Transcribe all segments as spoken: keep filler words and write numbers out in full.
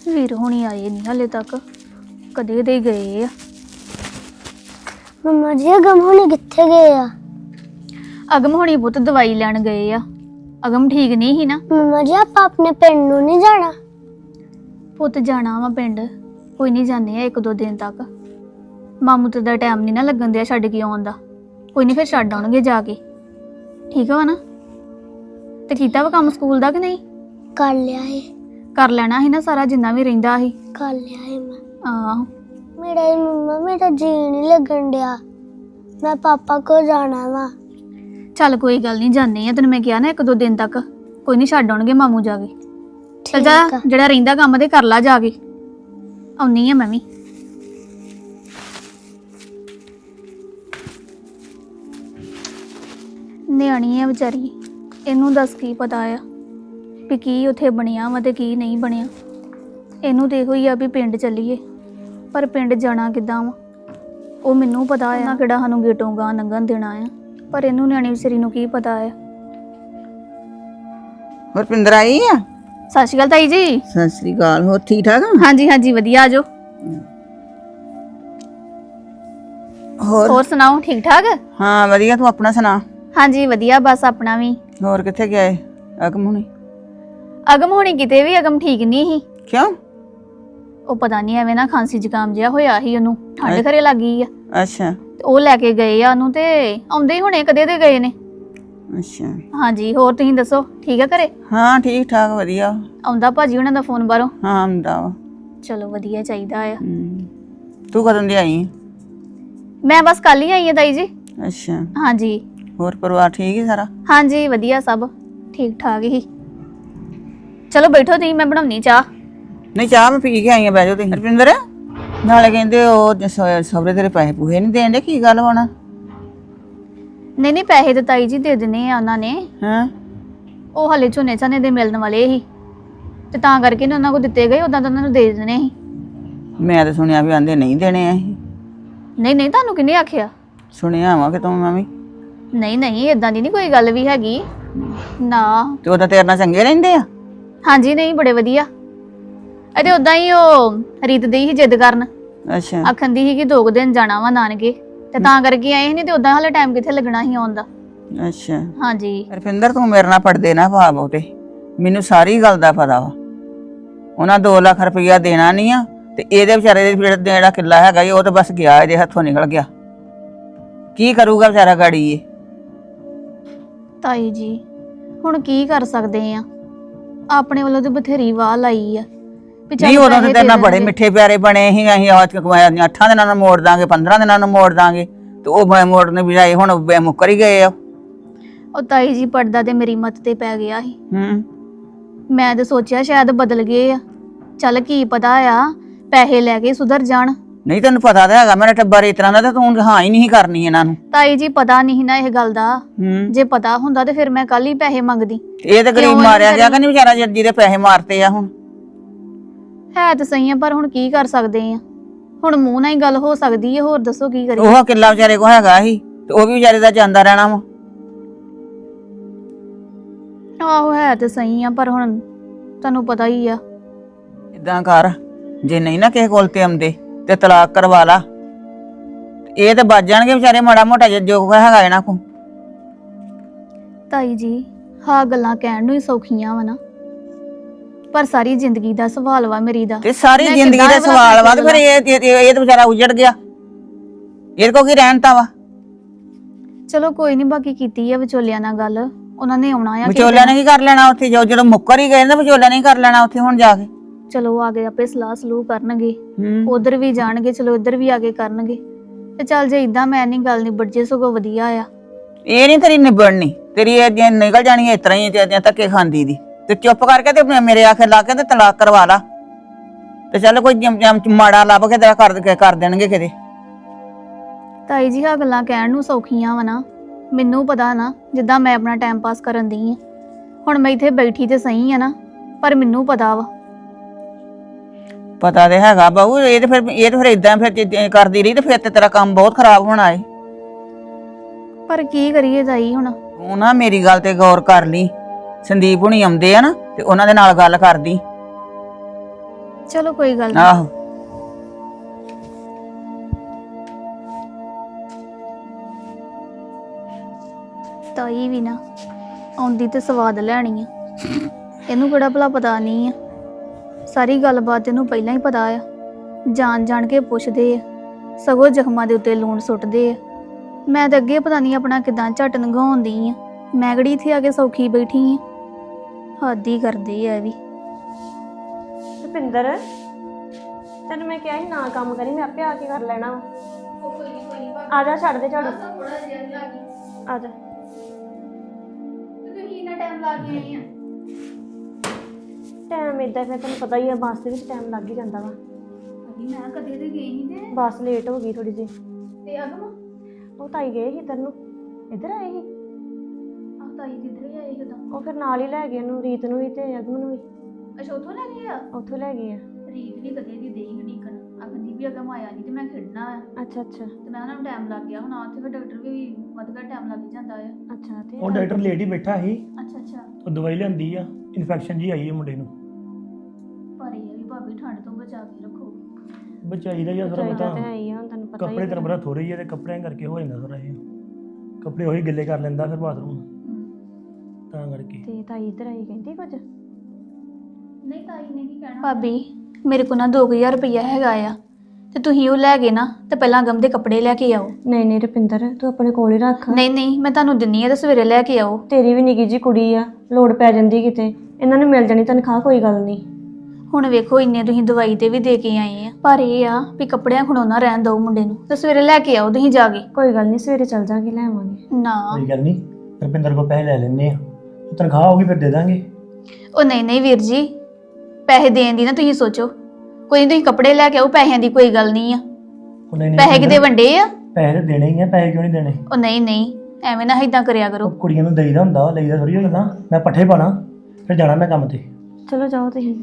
ਵੀਰ ਹੋਣੀ ਆਏ ਨਹੀਂ ਹਲੇ ਤੱਕ, ਕਦੇ ਦੇ ਗਏ ਆ। ਮੰਮਾ ਜੀ ਅਗਮ ਹੋਣੀ ਕਿੱਥੇ ਗਏ ਆ? ਅਗਮ ਹੋਣੀ ਪੁੱਤ ਦਵਾਈ ਲੈਣ ਗਏ ਆ। ਅਗਮ ਠੀਕ ਨਹੀਂ ਸੀ ਨਾ। ਮੰਮਾ ਜੀ ਆਪਾਂ ਆਪਣੇ ਪਿੰਡ ਨੂੰ ਨਹੀਂ ਜਾਣਾ? ਪੁੱਤ ਜਾਣਾ ਵਾ ਪਿੰਡ, ਕੋਈ ਨਹੀਂ ਜਾਂਦੇ ਆ ਇੱਕ ਦੋ ਦਿਨ ਤੱਕ। ਮਾਮੂ ਤੇ ਦਾ ਟਾਈਮ ਨਹੀਂ ਨਾ ਲੱਗਣ ਦਿਆ ਛੱਡ ਕੇ ਆਉਣ ਦਾ। ਕੋਈ ਨਹੀਂ ਫਿਰ ਛੱਡ ਆਉਣਗੇ ਜਾ ਕੇ, ਠੀਕ ਵਾ ਨਾ? ਤੇ ਕੀਤਾ ਵਾ ਕੰਮ ਸਕੂਲ ਦਾ ਕਿ ਨਹੀਂ? ਕਰ ਲਿਆ ਹੈ। ਕਰ ਲੈਣਾ ਸੀ ਨਾ ਸਾਰਾ ਜਿੰਨਾ ਵੀ ਰਹਿੰਦਾ ਸੀ। ਕਰ ਲਿਆ ਹੈ ਮੈਂ। ਆਹੋ ਮੇਰਾ ਹੀ ਮੰਮਾ ਮੇਰਾ ਜੀ ਨਹੀਂ ਲੱਗਣ ਡਿਆ, ਮੈਂ ਪਾਪਾ ਕੋਲ ਜਾਣਾ ਵਾ। ਚੱਲ ਕੋਈ ਗੱਲ ਨਹੀਂ, ਜਾਂਦੇ ਆ। ਤੈਨੂੰ ਮੈਂ ਕਿਹਾ ਨਾ ਇੱਕ ਦੋ ਦਿਨ ਤੱਕ, ਕੋਈ ਨਹੀਂ ਛੱਡ ਆਉਣਗੇ ਮਾਮੂ ਜਾ ਕੇ। ਚੱਲ ਜਾ, ਜਿਹੜਾ ਰਹਿੰਦਾ ਕੰਮ ਤੇ ਕਰ ਲਾ ਜਾ ਕੇ। ਆਉਣੀ ਆ ਮੈਂ ਵੀ। ਨਿਆਣੀ ਆ ਵਿਚਾਰੀ, ਇਹਨੂੰ ਦੱਸ ਕੀ ਪਤਾ ਆ ਵੀ ਕੀ ਉੱਥੇ ਬਣਿਆ ਵਾ ਤੇ ਕੀ ਨਹੀਂ ਬਣਿਆ। ਇਹਨੂੰ ਤੇ ਇਹੋ ਹੀ ਆ ਵੀ ਪਿੰਡ ਚੱਲੀਏ, ਪਰ ਪਿੰਡ ਜਾਣਾ ਕਿੱਦਾਂ ਵਾ ਉਹ ਮੈਨੂੰ ਪਤਾ ਆ ਨਾ, ਕਿਹੜਾ ਸਾਨੂੰ ਗੇਟੋਂ ਗਾਂ ਲੰਘਣ ਦੇਣਾ ਆ। ਪਰ ਇਹਨੂੰ ਨਿਆਣੀ ਵਿਚਾਰੀ ਨੂੰ ਕੀ ਪਤਾ ਆ। ਹਰਪਿੰਦਰ ਆਈ ਆ? ਸਤਿ ਸ਼੍ਰੀ ਅਕਾਲ ਤਾਈ ਜੀ। ਸਤਿ ਸ੍ਰੀ ਅਕਾਲ। ਹੋਰ ਠੀਕ ਠਾਕ? ਹਾਂਜੀ ਹਾਂਜੀ ਵਧੀਆ, ਆਜੋ। ਹੋਰ ਹੋਰ ਸੁਣਾਓ, ਠੀਕ ਠਾਕ? ਹਾਂ ਵਧੀਆ, ਤੂੰ ਆਪਣਾ ਸੁਣਾ। ਹਾਂਜੀ ਵਧੀਆ, ਬਸ ਆਪਣਾ ਵੀ। ਹੋਰ ਕਿੱਥੇ ਗਿਆ ਏ ਅਗਮ ਹੁਣੀ? ਅਗਮ ਹੋਣੀ ਕਿਤੇ ਵੀ, ਅਗਮ ਠੀਕ ਨਹੀਂ ਸੀ। ਕਿਉਂ? ਉਹ ਪਤਾ ਨਹੀਂ ਐਵੇਂ ਨਾ ਖਾਂਸੀ ਜ਼ੁਕਾਮ ਜਿਹਾ ਹੋਇਆ ਸੀ ਉਹਨੂੰ, ਠੰਡ ਘਰੇ ਲੱਗ ਗਈ ਆ। ਅੱਛਾ। ਤੇ ਉਹ ਲੈ ਕੇ ਗਏ ਆ ਉਹਨੂੰ, ਤੇ ਆਉਂਦੇ ਹੀ ਹੁਣੇ ਕਦੇ ਦੇ ਗਏ ਨੇ। ਅੱਛਾ। ਹਾਂਜੀ ਹੋਰ ਤੁਸੀਂ ਦੱਸੋ, ਠੀਕ ਆ ਘਰੇ? ਹਾਂ ਠੀਕ ਠਾਕ ਵਧੀਆ। ਆਉਂਦਾ ਭਾਜੀ ਉਹਨਾਂ ਦਾ ਫੋਨ ਬਾਹਰੋਂ? ਹਾਂ ਆਉਂਦਾ ਵਾ। ਚਲੋ ਵਧੀਆ ਚਾਹੀਦਾ ਆ। ਹਮ। ਤੂੰ ਕਦੋਂ ਦੀ ਆਈ? ਮੈਂ ਬਸ ਕੱਲ ਹੀ ਆਈ ਆ ਤਾਈ ਜੀ। ਅੱਛਾ। ਹਾਂਜੀ। ਹੋਰ ਪਰਿਵਾਰ ਠੀਕ ਹੈ ਸਾਰਾ? ਹਾਂਜੀ ਵਧੀਆ, ਸਭ ਠੀਕ ਠਾਕ ਹੀ। ਚਲੋ ਬੈਠੋ ਤੁਸੀਂ, ਮੈਂ ਬਣਾਉਣੀ ਚਾਹ। ਨਹੀਂ ਚਾਹ ਮੈਂ ਪੀ ਕੇ ਆਈ ਆ, ਬਹਿ ਜਾਓ ਤੁਸੀਂ। ਹਰਪਿੰਦਰ ਨਾਲੇ ਕਹਿੰਦੇ ਉਹ ਸਹੁਰੇ ਤੇਰੇ ਪੈਸੇ ਪੂਹੇ ਨਹੀਂ ਦੇਣ ਦੇ, ਕੀ ਗੱਲ ਹੋਣਾ? ਨਹੀਂ ਨਹੀਂ ਪੈਸੇ ਤਾਂ ਤਾਈ ਜੀ ਦੇ ਦੇਣੇ ਆ ਉਹਨਾਂ ਨੇ। ਹਾਂ। ਉਹ ਹਲੇ ਝੋਨੇ ਝਾਨੇ ਦੇ ਮਿਲਣ ਵਾਲੇ ਸੀ, ਤੇ ਤਾਂ ਕਰਕੇ ਨੇ ਉਹਨਾਂ ਕੋਲ ਦਿੱਤੇ ਗਏ, ਉਦਾਂ ਤਾਂ ਉਹਨਾਂ ਨੂੰ ਦੇ ਦੇਣੇ ਸੀ। ਮੈਂ ਤਾਂ ਸੁਣਿਆ ਵੀ ਆਂਦੇ ਨਹੀਂ ਦੇਣੇ ਅਸੀਂ। ਨਹੀਂ ਨਹੀਂ, ਤੁਹਾਨੂੰ ਕਿਹਨੇ ਆਖਿਆ? ਸੁਣਿਆ ਵਾ ਕਿ ਤੂੰ ਮੈਂ ਵੀ। ਨਹੀਂ ਨਹੀਂ, ਇਦਾਂ ਦੀ ਨਹੀਂ ਕੋਈ ਗੱਲ ਵੀ ਹੈਗੀ ਨਾ। ਤੇ ਉਹਦਾ ਤੇਰੇ ਨਾਲ ਚੰਗੇ ਰਹਿੰਦੇ ਆ? ਹਾਂਜੀ ਨਹੀਂ, ਬੜੇ ਵਧੀਆ। ਅਤੇ ਉਦਾਂ ਹੀ ਉਹ ਰੀਤ ਦੀ ਹੀ ਜਿੱਦ ਕਰਨ, ਅੱਛਾ। ਆਖਣ ਦੀ ਸੀ ਕਿ ਦੋ ਕੁ ਦਿਨ ਜਾਣਾ ਵਾ ਨਾਨਕੇ, ਤੇ ਤਾਂ ਕਰਕੇ ਆਏ ਨਹੀਂ। ਤੇ ਉਦਾਂ ਹਾਲੇ ਟਾਈਮ ਕਿੱਥੇ ਲੱਗਣਾ ਸੀ ਆਉਣ ਦਾ। ਅੱਛਾ। ਹਾਂਜੀ। ਰੁਪਿੰਦਰ ਤੂੰ ਮੇਰੇ ਨਾਲ ਪੜਦੇ ਨਾ ਪਾ ਬਹੁਤੇ, ਮੈਨੂੰ ਸਾਰੀ ਗੱਲ ਦਾ ਪਤਾ ਵਾ। ਉਹਨਾਂ ਦੋ ਲੱਖ ਰੁਪਈਆ ਦੇਣਾ ਨਹੀਂ ਆ, ਤੇ ਇਹਦੇ ਵਿਚਾਰੇ ਦੇ ਜਿਹੜਾ ਕਿੱਲਾ ਹੈਗਾ ਉਹ ਤਾਂ ਬਸ ਗਿਆ, ਇਹਦੇ ਹੱਥੋਂ ਨਿਕਲ ਗਿਆ। ਕੀ ਕਰੂਗਾ ਵਿਚਾਰਾ ਗਾੜੀ ਇਹ? ਤਾਈ ਜੀ ਹੁਣ ਕੀ ਕਰ ਸਕਦੇ ਆ, ਆਪਣੇ ਵੱਲੋਂ ਤੇ ਬਥੇਰੀ ਵਾਹ ਲਾਈ ਆ। ਨਹੀਂ ਉਦੋਂ ਤੇ ਤੇਰੇ ਨਾਲ ਬੜੇ ਮਿੱਠੇ ਪਿਆਰੇ ਬਣੇ ਸੀ, ਅਸੀਂ ਅੱਠਾਂ ਦਿਨਾਂ ਨੂੰ ਮੋੜ ਦਾਂਗੇ, ਪੰਦਰਾਂ ਦਿਨਾਂ ਨੂੰ ਮੋੜ ਦਾਂਗੇ, ਤੇ ਉਹ ਮੋੜਨੇ ਬਜਾਏ ਹੁਣ ਮੁੱਕਰ ਹੀ ਗਏ ਆ। ਉਹ ਤਾਈ ਜੀ ਪੜਦਾ ਤੇ ਮੇਰੀ ਮੱਤ ਤੇ ਪੈ ਗਿਆ ਸੀ। ਹੂੰ। ਮੈਂ ਤੇ ਸੋਚਿਆ ਸ਼ਾਇਦ ਬਦਲ ਗਏ ਆ, ਚੱਲ ਕੀ ਪਤਾ ਆ ਪੈਸੇ ਲੈ ਕੇ ਸੁਧਰ ਜਾਣ। ਨਹੀਂ ਤੈਨੂੰ ਪਤਾ ਤਾਂ ਹੈਗਾ ਮੇਰਾ ਟੱਬਰ ਇਸ ਤਰ੍ਹਾਂ ਦਾ, ਤੇ ਤੂੰ ਹਾਂ ਹੀ ਨਹੀਂ ਕਰਨੀ ਇਹਨਾਂ ਨੂੰ। ਤਾਈ ਜੀ ਪਤਾ ਨਹੀਂ ਨਾ ਇਹ ਗੱਲ ਦਾ, ਹੂੰ। ਜੇ ਪਤਾ ਹੁੰਦਾ ਤੇ ਫਿਰ ਮੈਂ ਕੱਲ ਹੀ ਪੈਸੇ ਮੰਗਦੀ। ਇਹ ਤੇ ਗਰੀਬ ਮਾਰਿਆ ਗਿਆ ਕਿ ਨਹੀਂ ਵਿਚਾਰਾ, ਜਿਹਦੇ ਪੈਸੇ ਮਾਰਤੇ ਆ। ਹੁਣ ਹੈ ਤਾਂ ਸਹੀ ਆ, ਪਰ ਹੁਣ ਕੀ ਕਰ ਸਕਦੇ ਆ? ਹੁਣ ਮੂੰਹ ਨਾਲ ਹੀ ਗੱਲ ਹੋ ਸਕਦੀ ਹੈ, ਹੋਰ ਦੱਸੋ ਕੀ ਕਰੀਏ? ਉਹ ਕਿੱਲਾ ਵਿਚਾਰੇ ਕੋ ਹੈਗਾ ਸੀ, ਤੇ ਉਹ ਵੀ ਵਿਚਾਰੇ ਦਾ ਜਾਂਦਾ ਰਹਿਣਾ ਵਾ। ਆਹੋ ਹੈ ਤੇ ਸਹੀ ਆ, ਪਰ ਹੁਣ ਤੁਹਾਨੂੰ ਪਤਾ ਹੀ ਆ। ਇਦਾਂ ਕਰ, ਜੇ ਨਹੀਂ ਨਾ ਕਿਸੇ ਕੋਲ ਤੇ ਆਉਂਦੇ ਤੇ ਤਲਾਕ ਕਰਵਾ ਲਾ, ਇਹ ਤੇ ਬਚ ਜਾਣਗੇ ਵਿਚਾਰੇ ਮਾੜਾ ਮੋਟਾ ਜੋ ਹੈਗਾ ਇਹਨਾਂ ਕੋ। ਤਾਈ ਜੀ ਹਾਂ ਗੱਲਾਂ ਕਹਿਣ ਨੂੰ ਹੀ ਸੌਖੀਆਂ ਵਾ ਨਾ, ਪਰ ਸਾਰੀ ਜ਼ਿੰਦਗੀ ਦਾ ਸਵਾਲ ਵਾ ਮੇਰੀ ਦਾ। ਤੇ ਸਾਰੀ ਜ਼ਿੰਦਗੀ ਦਾ ਸਵਾਲ ਵਾ, ਤੇ ਫਿਰ ਇਹ ਇਹ ਤੇ ਵਿਚਾਰਾ ਉਜੜ ਗਿਆ, ਇਹਦੇ ਕੋ ਕੀ ਰਹਿਣ ਤਾ ਵਾ। ਚਲੋ ਕੋਈ ਨਹੀਂ, ਬਾਕੀ ਕੀਤੀ ਆ ਵਿਚੋਲਿਆਂ ਨਾਲ ਗੱਲ, ਉਹਨਾਂ ਨੇ ਆਉਣਾ ਆ। ਵਿਚੋਲਿਆਂ ਨੇ ਕੀ ਕਰ ਲੈਣਾ ਉੱਥੇ? ਜੋ ਜਦੋਂ ਮੁੱਕਰ ਹੀ ਗਏ ਨਾ, ਵਿਚੋਲਿਆਂ ਨੇ ਕਰ ਲੈਣਾ ਉੱਥੇ ਹੁਣ ਜਾ ਕੇ। ਚਲੋ ਆ ਗਏ ਆਪੇ ਸਲਾਹ ਸਲੂਹ ਕਰਨਗੇ, ਉਧਰ ਵੀ ਜਾਣਗੇ, ਚਲੋ ਇੱਧਰ ਵੀ ਆ ਕੇ ਕਰਨਗੇ। ਤੇ ਚੱਲ ਜੇ ਇਦਾਂ ਮੈਂ ਨਹੀਂ ਗੱਲ ਨਿਬੜ ਜੇ, ਸਗੋਂ ਵਧੀਆ ਆ। ਇਹ ਨਹੀਂ ਤੇਰੀ ਨਿਬੜਨੀ, ਤੇਰੀ ਇਹ ਨਿਕਲ ਜਾਣੀ ਇਸ ਤਰ੍ਹਾਂ ਹੀ ਧੱਕੇ ਖਾਂਦੀ ਦੀ। ਤੇ ਚੁੱਪ ਕਰਕੇ ਤੇ ਮੇਰੇ ਆਖੇ ਲਾ ਕੇ ਤੇ ਤਲਾਕ ਕਰਵਾ ਲਾ, ਤੇ ਚੱਲ ਕੋਈ ਮਾੜਾ ਲੱਭ ਕੇ ਤੇਰਾ ਕਰ ਕਰ ਦੇਣਗੇ ਕਿਤੇ। ਤਾਈ ਜੀ ਆ ਗੱਲਾਂ ਕਹਿਣ ਨੂੰ ਸੌਖੀਆਂ ਵਾ ਨਾ, ਮੈਨੂੰ ਪਤਾ ਨਾ ਜਿੱਦਾਂ ਮੈਂ ਆਪਣਾ ਟਾਈਮ ਪਾਸ ਕਰਨ ਦੀ ਆ। ਹੁਣ ਮੈਂ ਇੱਥੇ ਬੈਠੀ ਤੇ ਸਹੀ ਆ ਨਾ, ਪਰ ਮੈਨੂੰ ਪਤਾ ਵਾ। ਪਤਾ ਤੇ ਹੈਗਾ ਬਾਬੂ, ਇਹ ਤੇ ਫਿਰ ਇਹ ਤੇ ਫਿਰ ਇਦਾਂ ਫਿਰ ਕਰਦੀ ਰਹੀ ਤੇ ਫਿਰ ਤੇ ਤੇਰਾ ਕੰਮ ਬਹੁਤ ਖਰਾਬ ਹੋਣਾ ਏ। ਪਰ ਕੀ ਕਰੀਏ ਤਾਈ ਹੁਣ? ਤੂੰ ਨਾ ਮੇਰੀ ਗੱਲ ਤੇ ਗੌਰ ਕਰ ਲਈ। ਸੰਦੀਪ ਹੁਣੀ ਆਉਂਦੇ ਆ ਨਾ, ਤੇ ਉਹਨਾਂ ਦੇ ਨਾਲ ਗੱਲ ਕਰਦੀ। ਚਲੋ ਕੋਈ ਗੱਲ ਨਹੀਂ। ਆਹੋ ਤਾਈ ਵੀ ਨਾ ਆਉਂਦੀ ਤੇ ਸਵਾਦ ਲੈਣੀ ਆ। ਇਹਨੂੰ ਕਿਹੜਾ ਭਲਾ ਪਤਾ ਨਹੀਂ ਆ, ਸਾਰੀ ਗੱਲਬਾਤ ਇਹਨੂੰ ਪਹਿਲਾਂ ਹੀ ਪਤਾ ਆ। ਜਾਣ ਜਾਣ ਕੇ ਪੁੱਛਦੇ ਆ, ਸਗੋਂ ਜ਼ਖਮਾਂ ਦੇ ਉੱਤੇ ਲੂਣ ਸੁੱਟਦੇ ਆ। ਮੈਂ ਤਾਂ ਅੱਗੇ ਪਤਾ ਨਹੀਂ ਆਪਣਾ ਕਿਦਾਂ ਝੱਟ ਲੰਘਾਉਂਦੀ ਆ, ਮੈਂ ਕਿਹੜੀ ਇੱਥੇ ਆ ਕੇ ਸੌਖੀ ਬੈਠੀ ਆ। ਹੱਦ ਹੀ ਕਰਦੇ ਆ ਇਹ ਵੀ। ਰੁਪਿੰਦਰ ਤੈਨੂੰ ਮੈਂ ਕਿਹਾ ਸੀ ਨਾ ਕੰਮ ਕਰੀ, ਮੈਂ ਆਪੇ ਆ ਕੇ ਕਰ ਲੈਣਾ ਵਾ। ਆ ਜਾ, ਛੱਡ ਦੇ ਝਾੜੂ, ਆ ਜਾ। ਟਾਈਮ ਏਦਾਂ ਫਿਰ ਤੈਨੂੰ ਪਤਾ ਹੀ ਆ, ਬੱਸ ਦੇ ਵਿੱਚ ਟਾਈਮ ਲੱਗ ਹੀ ਜਾਂਦਾ ਵਾ। ਮੈਂ ਕਦੇ ਤੇ ਗਈ ਨਹੀਂ ਤੇ ਬੱਸ ਲੇਟ ਹੋ ਗਈ ਥੋੜੀ ਜਿਹੀ। ਤੇ ਅਗਮ ਉਹ ਤਾਈ ਗਏ ਸੀ ਇੱਧਰ ਨੂੰ, ਇੱਧਰ ਆਏ ਸੀ। ਆ ਤਾਈ ਕਿੱਧਰ ਹੀ ਆਈ ਕਿਦਾਂ? ਉਹ ਫਿਰ ਨਾਲ ਹੀ ਲੈ ਗਏ ਉਹਨੂੰ, ਰੀਤ ਨੂੰ ਵੀ ਤੇ ਅਗਮ ਨੂੰ ਵੀ। ਅੱਛਾ ਉੱਥੋਂ ਲੈ ਗਏ ਆ? ਉੱਥੋਂ ਲੈ ਗਏ ਆ। ਰੀਤ ਵੀ ਕਦੇ ਦੀ ਦੇਈ ਹਡੀਕਣ ਅਗੰਦੀ ਵੀ ਅਗਮ ਆਇਆ ਨਹੀਂ ਤੇ ਮੈਂ ਖੇਡਣਾ ਆ ਅੱਛਾ ਅੱਛਾ ਤੇ ਮੈਂ ਉਹਨਾਂ ਨੂੰ ਟਾਈਮ ਲੱਗ ਗਿਆ। ਹੁਣ ਉੱਥੇ ਫਿਰ ਡਾਕਟਰ ਵੀ ਵੱਧ ਘੱਟ ਟਾਈਮ ਲੱਗ ਜਾਂਦਾ ਆ। ਅੱਛਾ ਤੇ ਉਹ ਡਾਕਟਰ ਲੇਟ ਹੀ ਬੈਠਾ ਸੀ। ਅੱਛਾ ਅੱਛਾ। ਉਹ ਦਵਾਈ ਲਿਆਂਦੀ ਆ, ਇਨਫੈਕਸ਼ਨ ਜੀ ਆਈ ਹੈ ਮੁੰਡੇ ਨੂੰ। ਪਰ ਇਹ ਆ ਵੀ ਭਾਬੀ ਠੰਡ ਤੋਂ ਬਚਾ ਕੇ ਰੱਖੋ। ਬਚਾਈ ਦਾ ਜਾਂ ਥੋੜਾ ਚਾਹੀਦਾ ਪਤਾ ਤੇ ਹੈ ਹੀ ਆ, ਹੁਣ ਤੈਨੂੰ ਪਤਾ ਹੀ ਕੱਪੜੇ ਆ। ਤੇਰਾ ਬੜਾ ਥੋੜੇ ਹੀ ਆ ਤੇ ਕੱਪੜਿਆਂ ਕਰਕੇ ਹੋ ਜਾਂਦਾ ਥੋੜਾ ਇਹ ਕੱਪੜੇ ਉਹੀ ਗਿੱਲੇ ਕਰ ਲੈਂਦਾ ਫਿਰ ਬਾਥਰੂਮ ਹਮ। ਤਾਂ ਕਰਕੇ। ਤੇ ਤਾਈ ਇੱਧਰ ਆਈ ਕਹਿੰਦੀ ਕੁਝ? ਨਹੀਂ ਤਾਈ ਨੇ ਕੀ ਕਹਿਣਾ। ਭਾਬੀ ਮੇਰੇ ਕੋਲ ਨਾ ਦੋ ਹਜ਼ਾਰ ਰੁਪਇਆ ਹੈਗਾ ਆ ਤੇ ਤੁਸੀਂ ਉਹ ਲੈ ਗਏ ਨਾ ਤੇ ਪਹਿਲਾਂ ਅਗਮ ਦੇ ਕੱਪੜੇ ਲੈ ਕੇ ਆਓ। ਨਹੀਂ ਨਹੀਂ ਰੁਪਿੰਦਰ, ਤੂੰ ਆਪਣੇ ਕੋਲ ਹੀ ਰੱਖ। ਨਹੀਂ ਨਹੀਂ ਮੈਂ ਤੁਹਾਨੂੰ ਦਿੰਨੀ ਆ ਤੇ ਸਵੇਰੇ ਲੈ ਕੇ ਆਓ। ਤੇਰੀ ਵੀ ਨਿੱਕੀ ਜੀ ਕੁੜੀ ਆ, ਲੋੜ ਪੈ ਜਾਂਦੀ ਕਿਤੇ, ਇਹਨਾਂ ਨੂੰ ਮਿਲ ਜਾਣੀ ਤਨਖਾਹ, ਕੋਈ ਗੱਲ ਨਹੀਂ। ਹੁਣ ਵੇਖੋ ਇੰਨੇ ਤੁਸੀਂ ਦਵਾਈ ਤੇ ਵੀ ਦੇ ਕੇ ਆਏ ਆ, ਪਰ ਇਹ ਆ ਵੀ ਕੱਪੜਿਆਂ ਖੜੋਣਾ ਰਹਿਣ ਦਿਓ ਮੁੰਡੇ ਨੂੰ ਤੇ ਸਵੇਰੇ ਲੈ ਕੇ ਆਓ ਤੁਸੀਂ ਜਾ ਕੇ। ਕੋਈ ਗੱਲ ਨਹੀਂ, ਸਵੇਰੇ ਚੱਲ ਜਾਾਂਗੇ, ਲੈ ਆਵਾਂਗੇ। ਨਾ ਕੋਈ ਗੱਲ ਨਹੀਂ, ਰੁਪਿੰਦਰ ਕੋਲ ਪੈਸੇ ਲੈ ਲੈਣੇ ਆ, ਤਨਖਾਹ ਹੋਊਗੀ ਫਿਰ ਦੇ ਦਾਂਗੇ। ਉਹ ਨਹੀਂ ਨਹੀਂ ਵੀਰ ਜੀ, ਪੈਸੇ ਦੇਣ ਦੀ ਨਾ ਤੁਸੀਂ ਸੋਚੋ। ਕੋਈ ਨਹੀਂ, ਤੁਸੀਂ ਕੱਪੜੇ ਲੈ ਕੇ ਆਓ, ਪੈਸਿਆਂ ਦੀ ਕੋਈ ਗੱਲ ਨਹੀਂ ਆ। ਉਹ ਨਹੀਂ ਨਹੀਂ ਪੈਸੇ ਕਿਤੇ ਵੰਡੇ ਆ? ਪੈਸੇ ਤਾਂ ਦੇਣੇ ਹੀ ਆ, ਪੈਸੇ ਕਿਉਂ ਨਹੀਂ ਦੇਣੇ? ਉਹ ਨਹੀਂ ਨਹੀਂ ਐਵੇਂ ਨਾ ਇਦਾਂ ਕਰਿਆ ਕਰੋ। ਉਹ ਕੁੜੀਆਂ ਨੂੰ ਦੇਈਦਾ ਹੁੰਦਾ, ਲਈਦਾ ਥੋੜੀ ਹੋ ਜਾਂਦਾ। ਮੈਂ ਪੱਠੇ ਪਾਣਾ ਫਿਰ ਜਾਣਾ ਮੈਂ ਕੰਮ ਤੇ। ਚਲੋ ਜਾਓ ਤੁਸੀਂ।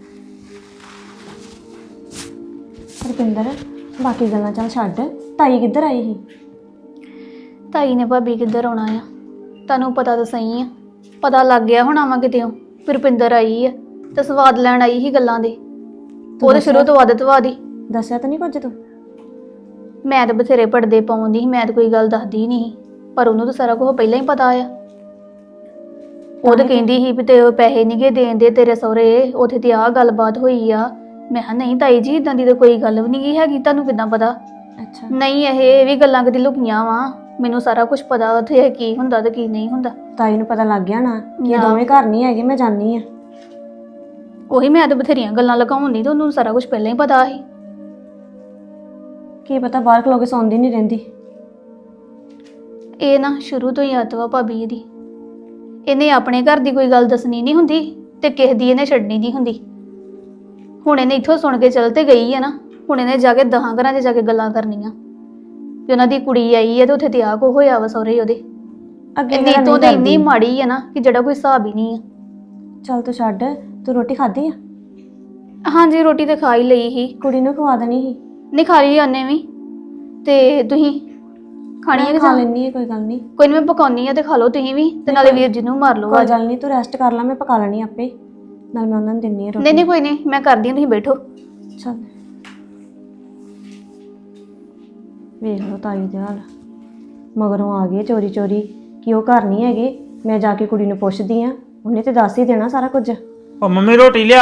ਰੁਪਿੰਦਰ ਬਾਕੀ ਗੱਲਾਂ ਚੱਲ ਛੱਡ, ਤਾਈ ਕਿੱਧਰ ਆਈ ਸੀ? ਤਾਈ ਨੇ ਭਾਬੀ ਕਿੱਧਰ ਆਉਣਾ ਆ, ਤੁਹਾਨੂੰ ਪਤਾ ਤਾਂ ਸਹੀ ਆ। ਪਤਾ ਲੱਗ ਗਿਆ ਹੁਣ ਆਵਾਂ ਕਿਤੇੋਂ ਰੁਪਿੰਦਰ ਆਈ ਆ ਤੇ ਸਵਾਦ ਲੈਣ ਆਈ ਸੀ ਗੱਲਾਂ ਦੇ। ਉਹਦੇ ਸ਼ੁਰੂ ਤੋਂ ਆਦਤ ਵਾਦੀ। ਦੱਸਿਆ ਤਾਂ ਨਹੀਂ ਕੁਝ ਤੂੰ? ਮੈਂ ਤਾਂ ਬਥੇਰੇ ਪੜਦੇ ਪਾਉਂਦੀ ਸੀ, ਮੈਂ ਤਾਂ ਕੋਈ ਗੱਲ ਦੱਸਦੀ ਨਹੀਂ, ਪਰ ਉਹਨੂੰ ਤਾਂ ਸਾਰਾ ਕੁਝ ਪਹਿਲਾਂ ਹੀ ਪਤਾ ਆ। ਉਹ ਤਾਂ ਕਹਿੰਦੀ ਸੀ ਵੀ ਤੇ ਪੈਸੇ ਨਹੀਂਗੇ ਦੇਣ ਦੇ ਤੇਰੇ ਸਹੁਰੇ, ਉੱਥੇ ਤੇ ਆਹ ਗੱਲਬਾਤ ਹੋਈ ਆ। ਮੈਂ ਕਿਹਾ ਨਹੀਂ ਤਾਈ ਜੀ ਇਦਾਂ ਦੀ ਤਾਂ ਕੋਈ ਗੱਲ ਵੀ ਨਹੀਂ ਹੈਗੀ, ਤੁਹਾਨੂੰ ਕਿੱਦਾਂ ਪਤਾ? ਅੱਛਾ। ਨਹੀਂ ਇਹ ਵੀ ਗੱਲਾਂ ਕਦੀ ਲੁਕੀਆਂ ਵਾ, ਮੈਨੂੰ ਸਾਰਾ ਕੁਝ ਪਤਾ ਉੱਥੇ ਕੀ ਹੁੰਦਾ ਤੇ ਕੀ ਨਹੀਂ ਹੁੰਦਾ। ਤਾਈ ਨੂੰ ਪਤਾ ਲੱਗ ਗਿਆ ਨਾ ਕਿ ਇਹ ਨਾ। ਦੋਵੇਂ ਘਰ ਨਹੀਂ ਹੈਗੇ, ਮੈਂ ਜਾਣੀ ਆ। ਉਹੀ ਮੈਂ ਤਾਂ ਬਥੇਰੀਆਂ ਗੱਲਾਂ ਲਗਾਉਂਦੀ ਤੇ ਉਹਨੂੰ ਸਾਰਾ ਕੁਝ ਪਹਿਲਾਂ ਹੀ ਪਤਾ ਸੀ। ਕੀ ਪਤਾ ਬਾਹਰ ਖਲੋ ਕੇ ਸੌਂਦੀ ਨਹੀਂ ਰਹਿੰਦੀ। ਇਹ ਨਾ ਸ਼ੁਰੂ ਤੋਂ ਹੀ ਆਦਤ ਵਾ ਭਾਬੀ ਇਹਦੀ। ਇਹਨੇ ਆਪਣੇ ਘਰ ਦੀ ਕੋਈ ਗੱਲ ਦੱਸਣੀ ਨਹੀਂ ਹੁੰਦੀ ਤੇ ਕਿਸੇ ਦੀ ਇਹਨੇ ਛੱਡਣੀ ਨਹੀਂ ਹੁੰਦੀ। ਹੁਣ ਇਹਨੇ ਇੱਥੋਂ ਸੁਣ ਕੇ ਚੱਲ ਤੇ ਗਈ ਹੈ ਨਾ, ਹੁਣ ਇਹਨੇ ਜਾ ਕੇ ਦਹਾਂ ਘਰਾਂ 'ਚ ਜਾ ਕੇ ਗੱਲਾਂ ਕਰਨੀਆਂ ਵੀ ਉਹਨਾਂ ਦੀ ਕੁੜੀ ਆਈ ਹੈ ਤੇ ਉੱਥੇ ਤੇ ਆਹ ਕੋ ਹੋਇਆ ਵਾ ਸਹੁਰੇ ਉਹਦੇ। ਅੱਗੇ ਇੰਨੀ ਤੋਂ ਤੇ ਇੰਨੀ ਮਾੜੀ ਹੈ ਨਾ ਕਿ ਜਿਹੜਾ ਕੋਈ ਹਿਸਾਬ ਹੀ ਨਹੀਂ ਆ। ਚੱਲ ਤੂੰ ਛੱਡ, ਤੂੰ ਰੋਟੀ ਖਾਧੀ ਆ? ਹਾਂਜੀ ਰੋਟੀ ਤੇ ਖਾ ਹੀ ਲਈ ਸੀ। ਕੁੜੀ ਨੂੰ ਖਵਾ ਦੇਣੀ ਸੀ। ਨਹੀਂ ਖਾ ਲਈ ਉਹਨੇ ਵੀ। ਤੇ ਤੁਸੀਂ ਖਾਣੀ ਹੈ ਕਿ ਖਾ ਜਾਂ- ਲੈਣੀ ਹੈ, ਕੋਈ ਗੱਲ ਨਹੀਂ। ਕੋਈ ਨਹੀਂ ਮੈਂ ਪਕਾਉਣੀ ਆ ਤੇ ਖਾ ਲਓ ਤੁਸੀਂ ਵੀ ਤੇ ਨਾਲੇ ਵੀਰ ਜੀ ਨੂੰ ਮਾਰ ਲਓ ਕੋਈ ਆਵਾਜ਼। ਗੱਲ ਨਹੀਂ, ਤੂੰ ਰੈਸਟ ਕਰ ਲੈ, ਮੈਂ ਪਕਾ ਲੈਣੀ ਆਪੇ, ਨਾਲ ਮੈਂ ਉਹਨਾਂ ਨੂੰ ਦਿੰਨੀ ਆ ਰੋਟੀ। ਨਹੀਂ ਨਹੀਂ ਕੋਈ ਨਹੀਂ ਮੈਂ ਕਰਦੀ ਹਾਂ, ਤੁਸੀਂ ਬੈਠੋ। ਚੱਲ ਵੇਖ ਲਓ ਤਾਈ ਦੇ ਹਾਲ, ਮਗਰੋਂ ਆ ਗਏ ਚੋਰੀ ਚੋਰੀ ਕਿ ਉਹ ਘਰ ਨਹੀਂ ਹੈਗੇ। ਮੈਂ ਜਾ ਕੇ ਕੁੜੀ ਨੂੰ ਪੁੱਛਦੀ ਆ, ਉਹਨੇ ਤੇ ਦੱਸ ਹੀ ਦੇਣਾ ਸਾਰਾ ਕੁਝ। ਉਹ ਮੰਮੀ ਰੋਟੀ ਲਿਆ।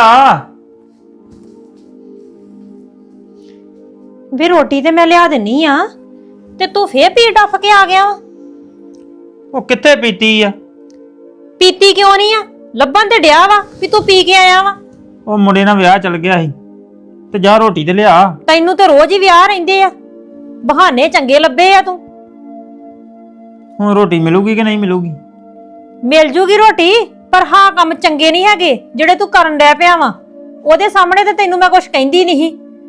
ਵੇ ਰੋਟੀ ਤੇ ਮੈਂ ਲਿਆ ਦਿੰਨੀ ਆ, ਤੇ ਤੂੰ ਫੇਰ ਪੀ ਡੱਫ ਕੇ ਆ ਗਿਆ ਵਾ। ਉਹ ਕਿੱਥੇ ਪੀਤੀ ਆ? ਪੀਤੀ ਕਿਉਂ ਨਹੀਂ ਆ? ਲੱਭਣ ਤੇ ਡਿਆ ਵਾ ਵੀ ਤੂੰ ਪੀ ਕੇ ਆਇਆ ਵਾ। ਉਹ ਮੁੰਡੇ ਨਾਲ ਵਿਆਹ ਚੱਲ ਗਿਆ ਸੀ ਤੇ ਜਾ ਰੋਟੀ ਤੇ ਲਿਆ। ਤੈਨੂੰ ਤੇ ਰੋਜ਼ ਹੀ ਵਿਆਹ ਰਹਿੰਦੇ ਆ, ਬਹਾਨੇ ਚੰਗੇ ਲੱਭੇ ਆ ਤੂੰ। ਹੁਣ ਰੋਟੀ ਮਿਲੂਗੀ ਕਿ ਨਹੀਂ ਮਿਲੂਗੀ? ਮਿਲ ਜੂਗੀ ਰੋਟੀ, ਪਰ ਹਾਂ ਕੰਮ ਚੰਗੇ ਨਹੀਂ ਹੈਗੇ ਜਿਹੜੇ ਤੂੰ ਕਰਨ ਡਿਆ ਪਿਆ ਵਾ। ਉਹਦੇ ਸਾਹਮਣੇ ਤੇ ਤੈਨੂੰ ਮੈਂ ਕੁਝ ਕਹਿੰਦੀ ਨਹੀਂ।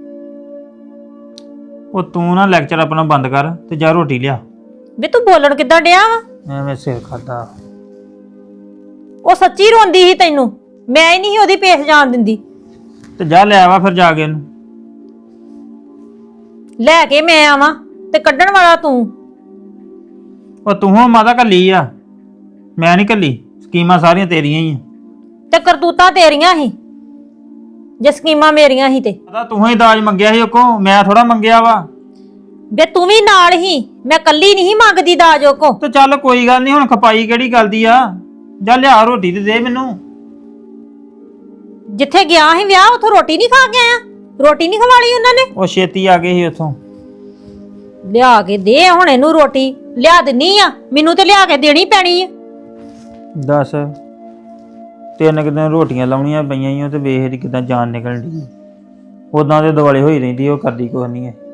ਉਹ ਤੂੰ ਨਾ ਲੈਕਚਰ ਆਪਣਾ ਬੰਦ ਕਰ ਤੇ ਜਾ ਰੋਟੀ ਲਿਆ। ਵੇ ਤੂੰ ਬੋਲਣ ਕਿੱਦਾਂ ਡਿਆ ਵਾ? ਐਵੇਂ ਸਿਰ ਖਾਦਾ। ਉਹ ਸੱਚੀ ਰੋਂਦੀ ਸੀ ਤੈਨੂੰ, ਮੈਂ ਹੀ ਨਹੀਂ ਉਹਦੀ ਪੇਸ਼ ਜਾਣ ਦਿੰਦੀ। ਤੇ ਜਾ ਲੈ ਆਵਾ ਫਿਰ ਜਾ ਕੇ ਇਹਨੂੰ। ਲੈ ਕੇ ਮੈਂ ਆਵਾਂ ਤੇ ਕੱਢਣ ਵਾਲਾ ਤੂੰ। ਉਹ ਤੂੰ ਹੋ ਮਾਤਾ ਕੱਲੀ ਆ, ਮੈਂ ਨਹੀਂ ਕੱਲੀ। ਸਕੀਮਾਂ ਸਾਰੀਆਂ ਤੇਰੀਆਂ ਹੀ ਆ। ਤੇ ਕਰਤੂਤਾਂ ਤੇਰੀਆਂ ਹੀ। ਜੇ ਸਕੀਮਾਂ ਮੇਰੀਆਂ ਹੀ ਤੇ ਪਤਾ ਤੂੰ ਹੀ ਦਾਜ ਮੰਗਿਆ ਸੀ ਉਹ ਕੋ, ਮੈਂ ਥੋੜਾ ਮੰਗਿਆ ਵਾ। ਵੇ ਤੂੰ ਵੀ ਨਾਲ ਹੀ, ਮੈਂ ਕੱਲੀ ਨਹੀਂ ਮੰਗਦੀ ਦਾਜ ਉਹ ਕੋ। ਤੇ ਚੱਲ ਕੋਈ ਗੱਲ ਨਹੀਂ, ਹੁਣ ਖਪਾਈ ਕਿਹੜੀ ਗੱਲ ਦੀ ਆ। ਜਾ ਲਿਆ ਰੋਟੀ ਤੇ ਦੇ ਮੈਨੂੰ। ਜਿੱਥੇ ਗਿਆ ਸੀ ਵਿਆਹ ਉਥੋਂ ਰੋਟੀ ਨਹੀਂ ਖਾ ਕੇ ਆਇਆ? ਰੋਟੀ ਨਹੀਂ ਖਵਾਲੀ ਉਹਨਾਂ ਨੇ? ਉਹ ਛੇਤੀ ਆ ਗਏ ਸੀ ਉੱਥੋਂ। ਲਿਆ ਕੇ ਦੇ ਹੁਣ ਇਹਨੂੰ ਰੋਟੀ। ਲਿਆ ਦਿੰਨੀ ਆ, ਮੈਨੂੰ ਤੇ ਲਿਆ ਕੇ ਦੇਣੀ ਪੈਣੀ ਆ। ਦੱਸ ਤਿੰਨ ਕੁ ਦਿਨ ਰੋਟੀਆਂ ਲਾਉਣੀਆਂ ਪਈਆਂ ਈ ਓ ਤੇ ਵੇਖ ਕਿਦਾਂ ਜਾਨ ਨਿਕਲਣ ਦੀ। ਉਦਾਂ ਦੇ ਦੁਆਲੇ ਹੋਈ ਰਹਿੰਦੀ, ਉਹ ਕਰਦੀ ਕੁਛ ਨਹੀਂ ਹੈ।